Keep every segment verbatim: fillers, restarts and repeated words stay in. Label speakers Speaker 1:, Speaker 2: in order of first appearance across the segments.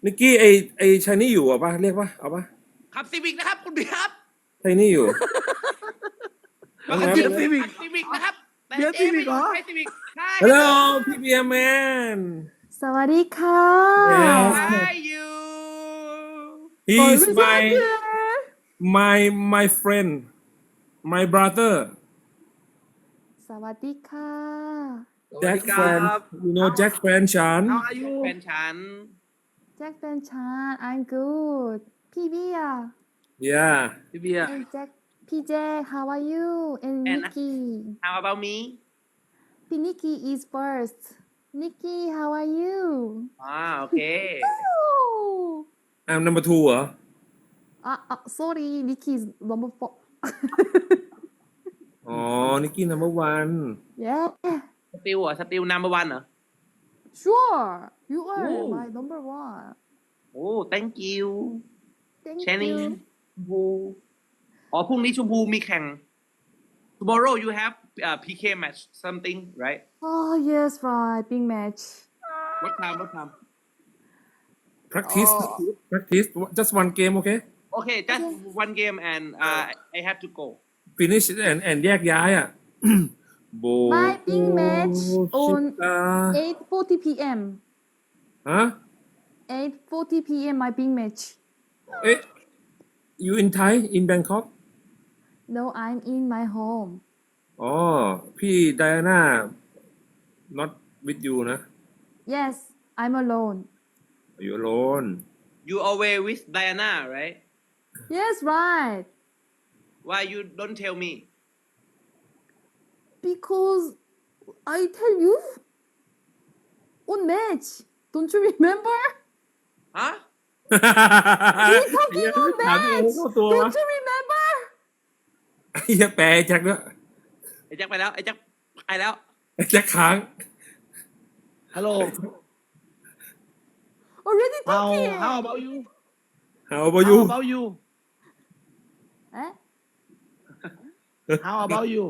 Speaker 1: นิกกี้ไอไอชายนี่อยู่อ่ะปะเรียกปะเอาปะ
Speaker 2: ขับซีวิกนะครับคุณพี่ครับ
Speaker 1: ชายนี่อยู่
Speaker 2: มาขับซีวิกซีวิกนะครับแต่เจ๊ไม่ใช่ซีวิกใช่
Speaker 1: Hello พี่เบียร์แมน
Speaker 3: สวัสดีค่ะ
Speaker 1: Yes
Speaker 2: ใช่ยู
Speaker 1: He's my my my friend my brother
Speaker 3: สวัสดีค่ะ
Speaker 1: Jack friend you know Jack friend ฉัน
Speaker 2: How are you แฟนฉัน
Speaker 3: แจ็คเป็นชาน I'm good พี่เบียร์
Speaker 1: Yeah
Speaker 2: พี่เบียร์
Speaker 3: and Jack พี่แจ็ค how are you and
Speaker 2: And-
Speaker 3: Nikki
Speaker 2: How about me
Speaker 3: พี่ Nikki is first Nikki how are you
Speaker 2: อ่าโอเค
Speaker 3: oh
Speaker 1: I'm number two เหรอ
Speaker 3: อ่ะอ่ะ sorry Nikki is number four
Speaker 1: อ๋อ นิกกี้ number one
Speaker 3: yeah
Speaker 2: สติลเหรอสติลนัมเบอร์วันเหรอ
Speaker 3: sure you are
Speaker 2: Ooh.
Speaker 3: my number one
Speaker 2: โอ้ thank you
Speaker 3: thank
Speaker 2: แชนี่
Speaker 3: you
Speaker 2: ชมพูอ๋อพรุ่งนี้ชมพูมีแข่ง tomorrow you have uh, พี เค match something right
Speaker 3: oh yes right big match
Speaker 2: what time what time
Speaker 1: practice
Speaker 3: Oh.
Speaker 1: practice just one game okay
Speaker 2: okay just one game and uh, I have to go
Speaker 1: finish and and แยกย้ายอ่ะ โบ
Speaker 3: My big match on
Speaker 1: ชิตา
Speaker 3: eight forty p.m.
Speaker 1: ฮะ
Speaker 3: eight forty p.m. my big match
Speaker 1: เอ๊ะ you in Thai in Bangkok
Speaker 3: no I'm in my home
Speaker 1: อ๋อ พี่ไดอาน่า not with you นะ
Speaker 3: yes I'm alone
Speaker 1: you alone
Speaker 2: you always with Diana right
Speaker 3: yes right
Speaker 2: why you don't tell me
Speaker 3: because I tell you on match don't you remember
Speaker 2: ฮะ
Speaker 3: we talking on
Speaker 1: ถามตัว
Speaker 3: match
Speaker 1: เข้าตัววะ
Speaker 3: don't you remember
Speaker 1: ไอ้เหี้ยแปลไอ้แจ็คด้วย
Speaker 2: ไอ้แจ็คไปแล้วไอ้แจ็คไปแล้ว
Speaker 1: ไอ้แจ็คค้าง
Speaker 4: Hello.
Speaker 3: already
Speaker 4: How
Speaker 3: talking
Speaker 4: how about you?
Speaker 1: How about you
Speaker 4: How about you?
Speaker 3: eh?
Speaker 4: How about you?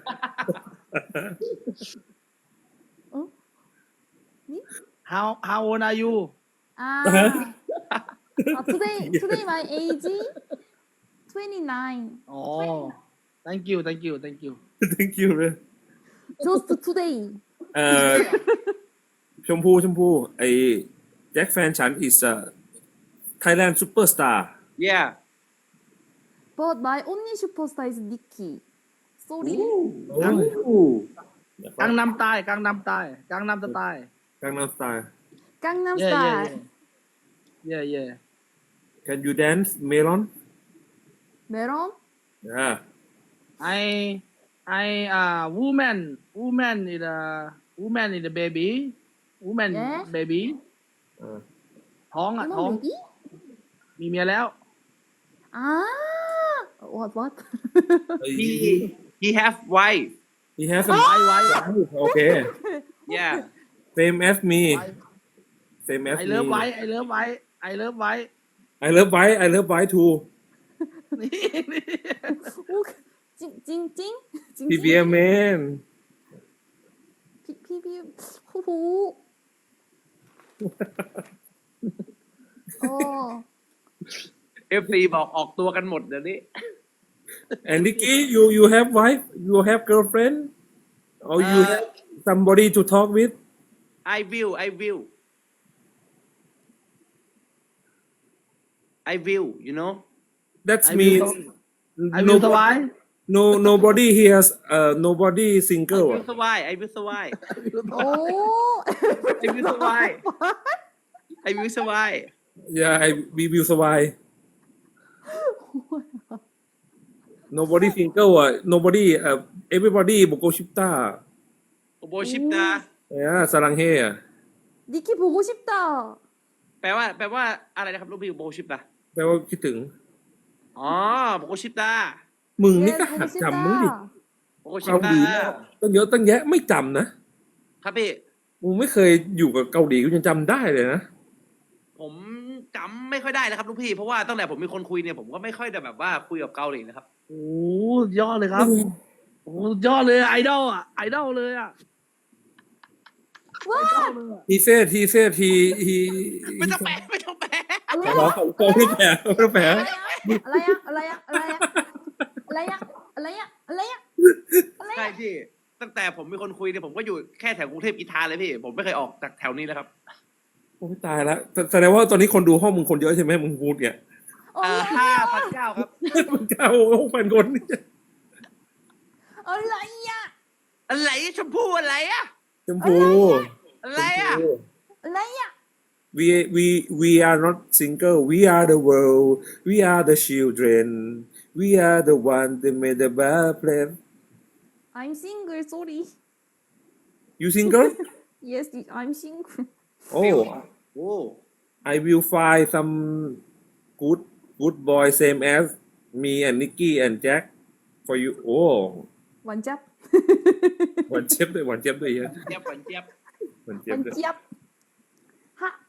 Speaker 3: oh? me?
Speaker 4: How how old are you?
Speaker 3: ah uh, today today my age twenty-nine
Speaker 4: Oh, thank you, thank you, thank you.
Speaker 1: thank you เลย
Speaker 3: just today
Speaker 1: เอ่อ ชมพูชมพูไอ้แจ็คแฟนฉัน is a Thailand superstar
Speaker 2: yeah
Speaker 3: but my only superstar is Nikki sorry
Speaker 1: โอ้ย
Speaker 4: Gangnam Style, Gangnam Style, Gangnam Style.
Speaker 1: กังนำสไตล์
Speaker 3: Gangnam
Speaker 4: Yeah, yeah,
Speaker 3: Style
Speaker 4: yeah. Yeah, yeah.
Speaker 1: Can you dance Melon
Speaker 3: Melon
Speaker 1: yeah
Speaker 4: I I uh woman woman is a woman is a baby. Woman
Speaker 3: Yeah.
Speaker 4: baby.
Speaker 1: เออ
Speaker 4: ท้องอ่ะ
Speaker 3: Woman
Speaker 4: ท้อง
Speaker 3: baby
Speaker 4: มีเมียแล้ว
Speaker 3: ah what what
Speaker 1: ไอ้
Speaker 2: he he have wife
Speaker 1: he has a
Speaker 4: ไว้ไว้
Speaker 1: โอเค
Speaker 2: yeah
Speaker 1: same as me same as
Speaker 4: ไอ
Speaker 1: me
Speaker 4: เลิฟไว้ไอเลิฟไว้ไอเลิฟไว้
Speaker 1: I love white I love white too
Speaker 4: นี่นี่
Speaker 3: 찡찡찡
Speaker 1: พี่เบียร์แมน
Speaker 3: 피피 후후 어
Speaker 2: เอฟซีบอกออกตัวกันหมดเดี๋ยวนี้
Speaker 1: and Nikki you you have wife you have girlfriend or you
Speaker 4: Uh,
Speaker 1: have somebody to talk with
Speaker 2: I will I will I will you know
Speaker 1: that's
Speaker 4: I
Speaker 1: mean
Speaker 4: will I will survive
Speaker 1: no nobody here uh nobody
Speaker 2: I
Speaker 1: single
Speaker 2: will survive I will survive
Speaker 3: 오
Speaker 2: I will survive I will survive
Speaker 1: yeah I we will survive nobody single อ่ะ nobody uh everybody บุกโกชิปตา
Speaker 2: โอโบชิปนะ
Speaker 1: yeah สลังเฮอ่ะ
Speaker 3: 니키 보고 싶다
Speaker 2: แปลว่า แปลว่าอะไรนะครับลูกพี่โบชิปนะ
Speaker 1: แปลว่าคิดถึง
Speaker 2: อ๋อโบชิปนะ
Speaker 1: มึงนี่
Speaker 3: 예
Speaker 1: ก็หัด
Speaker 3: 보고
Speaker 1: จำมึงดิ
Speaker 3: 싶다
Speaker 2: โบชิป
Speaker 1: เกาห
Speaker 2: นะ
Speaker 1: ลีตั้งเยอะตั้งแยะไม่จำนะ
Speaker 2: ครับพี่
Speaker 1: มึงไม่เคยอยู่กับเกาหลีกูยังจำได้เลยนะ
Speaker 2: ผมจำไม่ค่อยได้นะครับลูกพี่ เพราะว่าตั้งแต่ผมมีคนคุยเนี่ยผมก็ไม่ค่อยจะแบบว่าคุยกับเกาหลีนะครับ
Speaker 4: โอ้ยอดเลยครับ โอ้ยอดเลยไอดอลอ่ะไอดอลเลยอ่ะ
Speaker 3: 와
Speaker 4: ไอดอลเลยอะ
Speaker 1: he said he said he he
Speaker 2: ไม่ต้องแปลไม่ต้องแปล
Speaker 1: ขอร้องขอขอไม่แผลไม่แผล
Speaker 3: อะไรอะอะไรอะอะไรอะอะไรอะอะไรอะอะไรอะอะไร
Speaker 2: ใช่
Speaker 3: อะ
Speaker 2: พี่ ตั้งแต่ผมเป็นคนคุยเนี่ยผมก็อยู่แค่แถวกรุงเทพอีทาเลยพี่ ผมไม่เคยออกจากแถวนี้แล้วครับ
Speaker 1: โอ้ยตายแล้วแสดงว่าตอนนี้คนดูห้องมึงคนเยอะใช่ไหมมึงพูดเนี่ย
Speaker 3: โอ้
Speaker 2: เอ่อย ห้าพันเก้าครับ
Speaker 1: มึงเก้าหกพันคนเนี่ย
Speaker 3: อะไรอะ
Speaker 2: อะไรชมพู่อะไรอะ
Speaker 1: ชมพู
Speaker 2: อะไรอะ
Speaker 3: อะไรอะ
Speaker 1: we we we are not single we are the world we are the children we are the one that made the bad plan
Speaker 3: I'm single sorry
Speaker 1: you single
Speaker 3: yes I'm single
Speaker 1: oh
Speaker 2: โอ้
Speaker 1: I will find some good good boy same as me and Nicky and Jack for you โอ้
Speaker 3: หวานจับ
Speaker 1: หวานเจี๊ยบด้วยหวานเจี๊ยบด้วยเยอะ
Speaker 2: เจี๊ยบหวานเจี๊ยบ
Speaker 1: หวาน
Speaker 3: ห
Speaker 1: เจี๊ยว
Speaker 3: า
Speaker 1: บ
Speaker 3: น
Speaker 1: ด้วย
Speaker 3: เจี๊ยบฮะ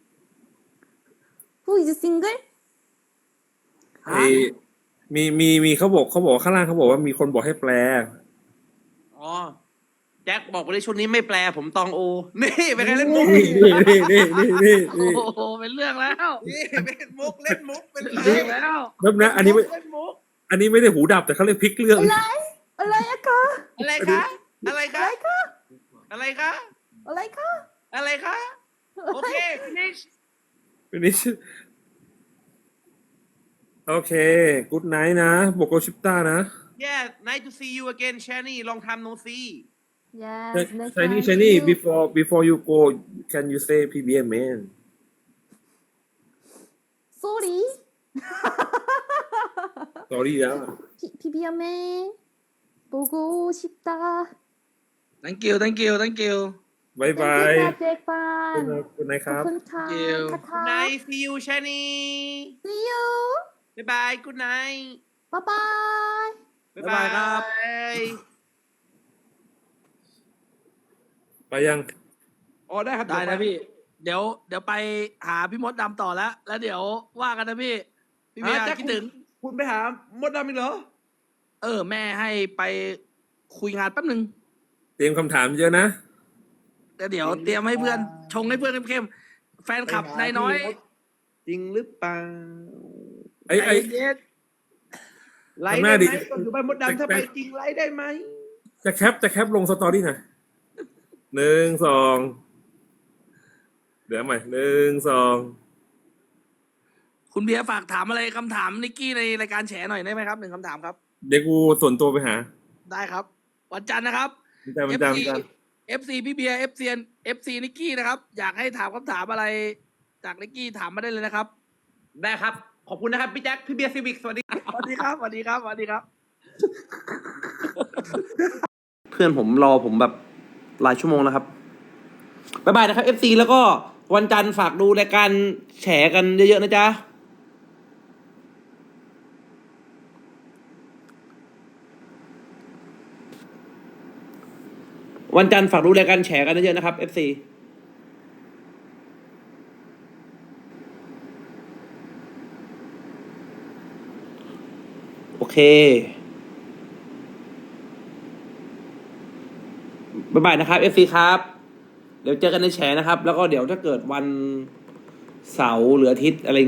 Speaker 3: Who is single
Speaker 1: ไอ้มีมีมีเขาบอกเขาบอกข้างล่างเขาบอกว่ามีคนบอกให้แปล
Speaker 2: อ๋อ แจ็คบอกไปเลยช่วงนี้ไม่แปลผมตองโอ นี่เป็นไงเล่นมุก
Speaker 1: นี่นี่นี่นี่นี่
Speaker 4: โอ้
Speaker 1: นี่
Speaker 4: โหเป็นเรื่องแล้ว
Speaker 2: นี่เป็นมุกเล่นมุกเป็น
Speaker 4: เป็นเรื่องแล้ว
Speaker 1: แป๊บนะอันนี้ไม่
Speaker 2: เล่นมุก
Speaker 1: อันนี้ไม่ได้หูดับแต่เขาเรียกพลิกเรื่อง
Speaker 3: อะไรอะไรอะคะ
Speaker 2: อะไรคะ อะไรคะ อะไรคะ
Speaker 3: อะไรคะ
Speaker 2: อะไรคะ โอเค finish
Speaker 1: วันนี้โอเคกูดไนท์นะโบโกชิปต้านะ
Speaker 2: yeah nice to see you again Shani long time no see
Speaker 3: yes next
Speaker 1: Shiny
Speaker 3: time
Speaker 1: Shiny
Speaker 3: you-
Speaker 1: before before you go can you say พี บี เอ็ม man
Speaker 3: sorry
Speaker 1: sorry แล้ว
Speaker 3: 피- 피비엠에 보고 싶다.
Speaker 4: thank you thank you thank you
Speaker 1: บายบาย
Speaker 3: 땡큐 잭반.
Speaker 1: คุณนายครับ
Speaker 3: 코쿤카
Speaker 4: you.
Speaker 3: 카카.
Speaker 2: nice see you Shani
Speaker 3: See you.
Speaker 2: bye bye good night
Speaker 3: Bye bye.
Speaker 2: bye
Speaker 4: บ๊ายบายครับ
Speaker 2: bye
Speaker 1: ไปยัง
Speaker 2: อ๋อได้ครับ
Speaker 4: ได้นะพี่ เดี๋ยวเดี๋ยวไปหาพี่มดดำต่อแล้ว แล้วเดี๋ยวว่ากันนะพี่ พี่เบีย
Speaker 2: อ่ะ
Speaker 4: ร์
Speaker 2: แจ็ค
Speaker 4: คิดถึง
Speaker 2: คุณคุณไปหามดดำอีกเหรอ
Speaker 4: เออ แม่ให้ไปคุยงานแป๊บหนึ่ง
Speaker 1: เตรียมคำถามเยอะนะ
Speaker 4: แล้วเดี๋ยวเตรียมให้เพื่อน ชงให้เพื่อนเข้มๆแฟนคลับนายน้อย
Speaker 2: จริงหรือเปล่า
Speaker 1: ไอ้ไอ้
Speaker 4: ใจเย็น
Speaker 2: ไลฟ์
Speaker 1: ทำหน้า
Speaker 2: ได้
Speaker 1: ดิ
Speaker 2: ไหมก็อยู่บ้านมดดำถ้าไปจริงไลฟ์ได้ไหม
Speaker 1: จะแคปจะแคปลงสตอรี่หน่อยหนึ่งสองเดี๋ยวใหม่หนึ่งสอง
Speaker 4: คุณเบียร์ฝากถามอะไรคำถามนิกกี้ในรายการแฉหน่อยได้ไหมครับหนึ่งคำถามครับ
Speaker 1: เดี๋ยวกูส่วนตัวไปหา
Speaker 4: ได้ครับ วันจันทร์นะครับ
Speaker 1: จำจำจำจ
Speaker 4: เอฟซีพี่เบียร์เอฟซีเอฟซีนิกกี้นะครับ อยากให้ถามคำถามอะไร จากนิกกี้ถามมาได้เลยนะครับ
Speaker 2: ได้ครับ ขอบคุณนะครับ พี่แจ็คพี่เบียร์ซีวิกสวัสดี
Speaker 4: สวัสดีครับสวัสดีครับสวัสดีครับ
Speaker 2: เพื่อนผมรอผมแบบหลายชั่วโมงแล้วครับบ๊ายบายนะครับ เอฟ ซี แล้วก็วันจันทร์ฝากดูรายการแฉกันเยอะๆนะจ๊ะ วันจันทร์ฝากดูรายการแฉกันเยอะๆนะครับ เอฟ ซี โอเค บ๊ายบายนะครับ เอฟ ซี ครับ เดี๋ยวเจอกันในแฉนะครับ แล้วก็เดี๋ยวถ้าเกิดวันเสาร์หรืออาทิตย์อะไร